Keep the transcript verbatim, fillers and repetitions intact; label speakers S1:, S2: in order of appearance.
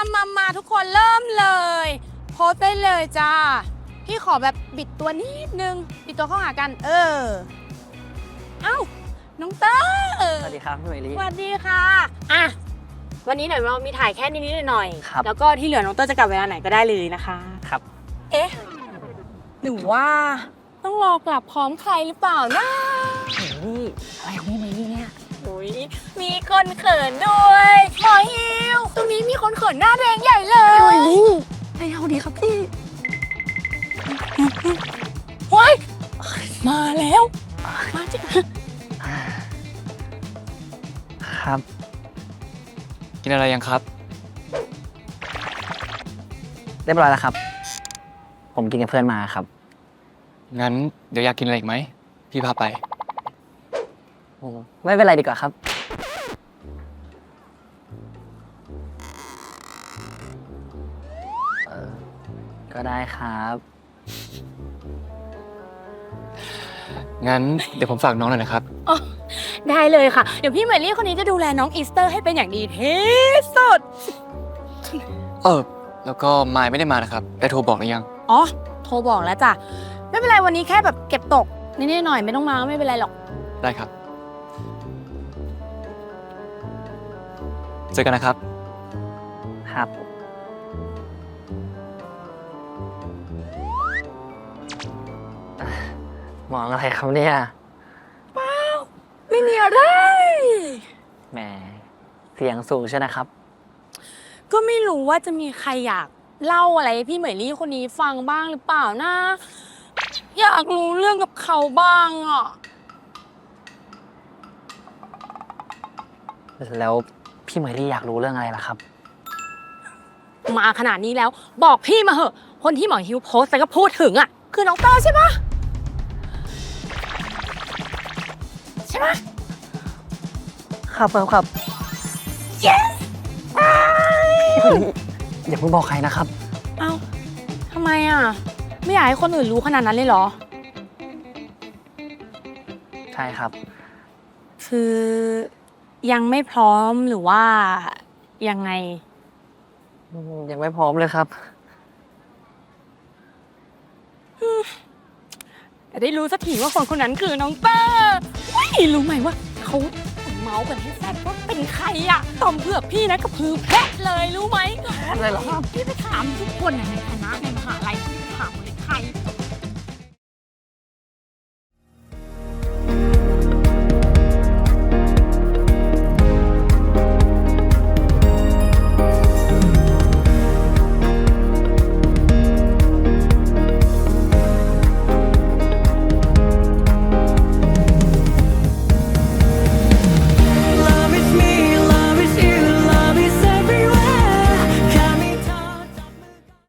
S1: มามาทุกคนเริ่มเลยโพสได้เลยจ้าพี่ขอแบบบิดตัวนิดนึงบิดตัวเข้าหากันเออเอ้าน้องเต้อ
S2: สวัสดีครับพี่เมลี่
S1: สวัสดีค่ะอ่ะวันนี้หน่อยเรามีถ่ายแค่นิดๆหน่อยๆ
S2: ครับ
S1: แล้วก็ที่เหลือน้องเต้อจะกลับเวลาไหนก็ได้เลยนะคะ
S2: ครับ
S1: เอ๊ะหรือว่าต้องรอกลับพร้อมใครหรือเปล่านะ
S2: นี่อะไรนี่เมลี่เนี่ย
S1: อุ้ยมีคนเขินด้วยหมอฮิวตรงนี้มีคนเขินหน้าแดงใหญ่เลย
S2: ไม่เอาดีครับพี่
S1: ว้ายมาแล้วมาจิ
S2: ครับ
S3: กินอะไรยังครับ
S2: เรียบร้อยแล้วครับ ผมกินกับเพื่อนมาครับ
S3: งั้นเดี๋ยวอยากกินอะไรอีกไหม พี่พาไป
S2: ไม่เป็นไรดีกว่าครับ เออ ก็ได้ครับ
S3: งั้นเดี๋ยวผมฝากน้องหน่อยนะครับ
S1: ได้เลยค่ะ เดี๋ยวพี่เมลี่คนนี้จะดูแลน้องอีสเตอร์ให้เป็นอย่างดีที่สุด
S3: เออ แล้วก็มายไม่ได้มานะครับ ได้โทรบอกหรือยัง
S1: อ๋อ โทรบอกแล้วจ้ะ ไม่เป็นไรวันนี้แค่แบบเก็บตกนิดๆหน่อยๆไม่ต้องมาไม่เป็นไรหรอก
S3: ได้ครับ เจอกันนะครับ
S2: ครับ มองอะไรครับเนี่ย
S1: ไม่มีอะไร
S2: แหม เสียงสูงใช่นะครับ
S1: ก็ไม่รู้ว่าจะมีใครอยากเล่าอะไรให้พี่เหมยลี่คนนี้ฟังบ้างหรือเปล่านะ อยากรู้เรื่องกับเขาบ้างอ่ะ
S2: แล้วพี่เมลี่อยากรู้เรื่องอะไรล่ะครับ
S1: มาขนาดนี้แล้วบอกพี่มาเหอะ คนที่หมอฮิวโพสต์แล้วก็พูดถึงอ่ะ คือน้องเต้าใช่ปะใช่ปะ
S2: ครับครับครับ
S1: yes
S2: อย่าเพิ่งบอกใครนะครับ
S1: เอ้าทำไมอ่ะ ไม่อยากให้คนอื่นรู้ขนาดนั้นเลยเหรอ
S2: ใช่ครับ
S1: คือยังไม่พร้อมหรือว่ายังไง
S2: ยังไม่พร้อมเลยครับ
S1: แต่ได้รู้สักทีว่าคนคนนั้นคือน้องเต้อไม่รู้ไหมว่าเขาเมาส์กันให้แซ่บว่าเป็นใครอะต่อมเผือกพี่นะก็พือแพะเลยรู้ไหม
S2: เลยเหรอครับ
S1: พี่ไปถามทุกคนอะในคณะในมหาลัยพี่ไปถามหมดเลยใคร